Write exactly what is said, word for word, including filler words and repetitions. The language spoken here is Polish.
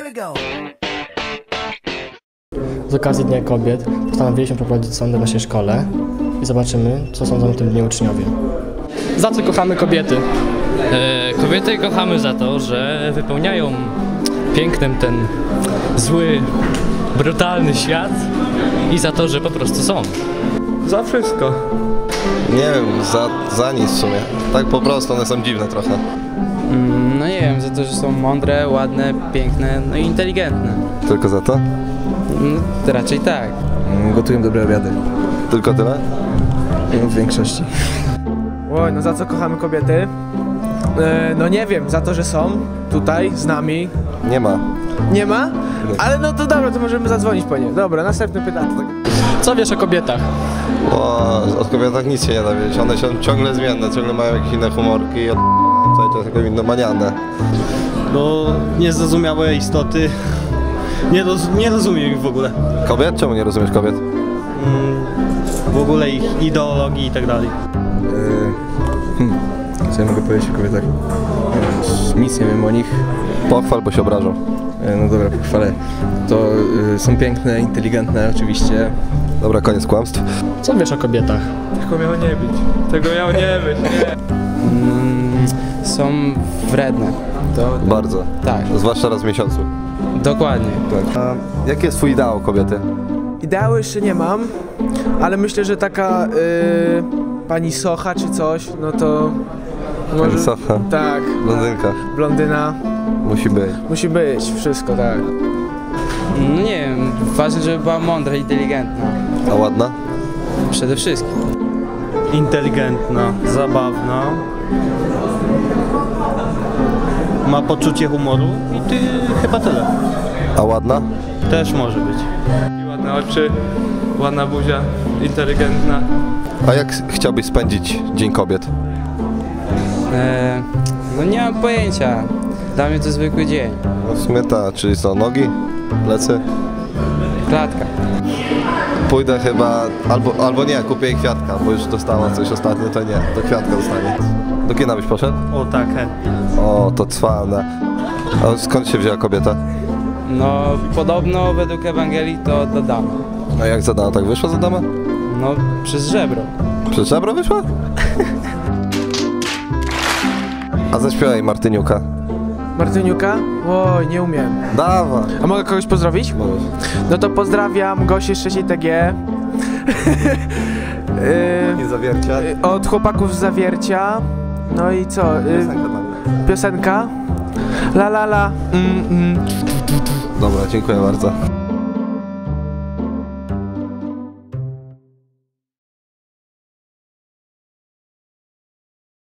Here we go. Z okazji Dnia Kobiet postanowiliśmy prowadzić sondę w naszej szkole i zobaczymy, co sądzą o tym dniu uczniowie. Za co kochamy kobiety? E, kobiety kochamy za to, że wypełniają pięknem ten zły, brutalny świat i za to, że po prostu są. Za wszystko. Nie wiem, za, za nic w sumie. Tak po prostu, one są dziwne trochę. Mm, no nie wiem, za to, że są mądre, ładne, piękne, no i inteligentne. Tylko za to? No, raczej tak. Gotują dobre obiady. Tylko tyle? No, w większości. Oj, no za co kochamy kobiety? E, no nie wiem, za to, że są tutaj z nami. Nie ma. Nie ma? Ale no to dobra, to możemy zadzwonić po nie. Dobra, następne pytanie. Co wiesz o kobietach? O, od kobietach nic się nie da wiedzieć. One są ciągle zmienne, ciągle mają jakieś inne humorki i od... cały czas jakieś innomaniane. No, niezrozumiałe istoty. Nie, roz, nie rozumiem ich w ogóle. Kobiet? Czemu nie rozumiesz kobiet? Mm, w ogóle ich ideologii i tak dalej. Yy, hmm. Co ja mogę powiedzieć o kobietach? Yy, nic nie wiem o nich. Pochwal, bo się obrażą. Yy, no dobra, pochwalę. To yy, są piękne, inteligentne oczywiście. Dobra, koniec kłamstw. Co wiesz o kobietach? Tego miało nie być. Tego miało nie być, nie. Mm, są wredne. To, to, Bardzo. Tak, Zwłaszcza raz w miesiącu. dokładnie. Tak. A jaki jest twój ideał kobiety? Ideału jeszcze nie mam, ale myślę, że taka y, pani Socha czy coś, no to... Pani Socha? Tak. Blondynka. Blondyna. Musi być. Musi być, wszystko, tak. No nie wiem, ważne, żeby była mądra, inteligentna. A ładna? Przede wszystkim. Inteligentna, zabawna. Ma poczucie humoru i ty chyba tyle. A ładna? Też może być. Ładne oczy, ładna buzia, inteligentna. A jak chciałbyś spędzić Dzień Kobiet? E, no nie mam pojęcia. Dla mnie to zwykły dzień. No w sumie ta, czyli co, nogi? Plecy? Klatka. Pójdę chyba, albo, albo nie, kupię jej kwiatka, bo już dostała coś ostatnio, to nie, to kwiatka dostanie. Do kina byś poszedł? O tak, chętnie. O, to cwane. A skąd się wzięła kobieta? No podobno według Ewangelii to do damy. A jak za dama, tak wyszła za damę? No przez żebro. Przez żebro wyszła? A zaśpiewaj Martyniuka. Martyniuka? Oj, nie umiem. Dawaj. A mogę kogoś pozdrowić? Możesz. No to pozdrawiam Gosię z trzeciej T G. Nie zawiercia. y, od chłopaków z Zawiercia. No i co? Y, piosenka? La la la. Mm, mm. Dobra, dziękuję bardzo.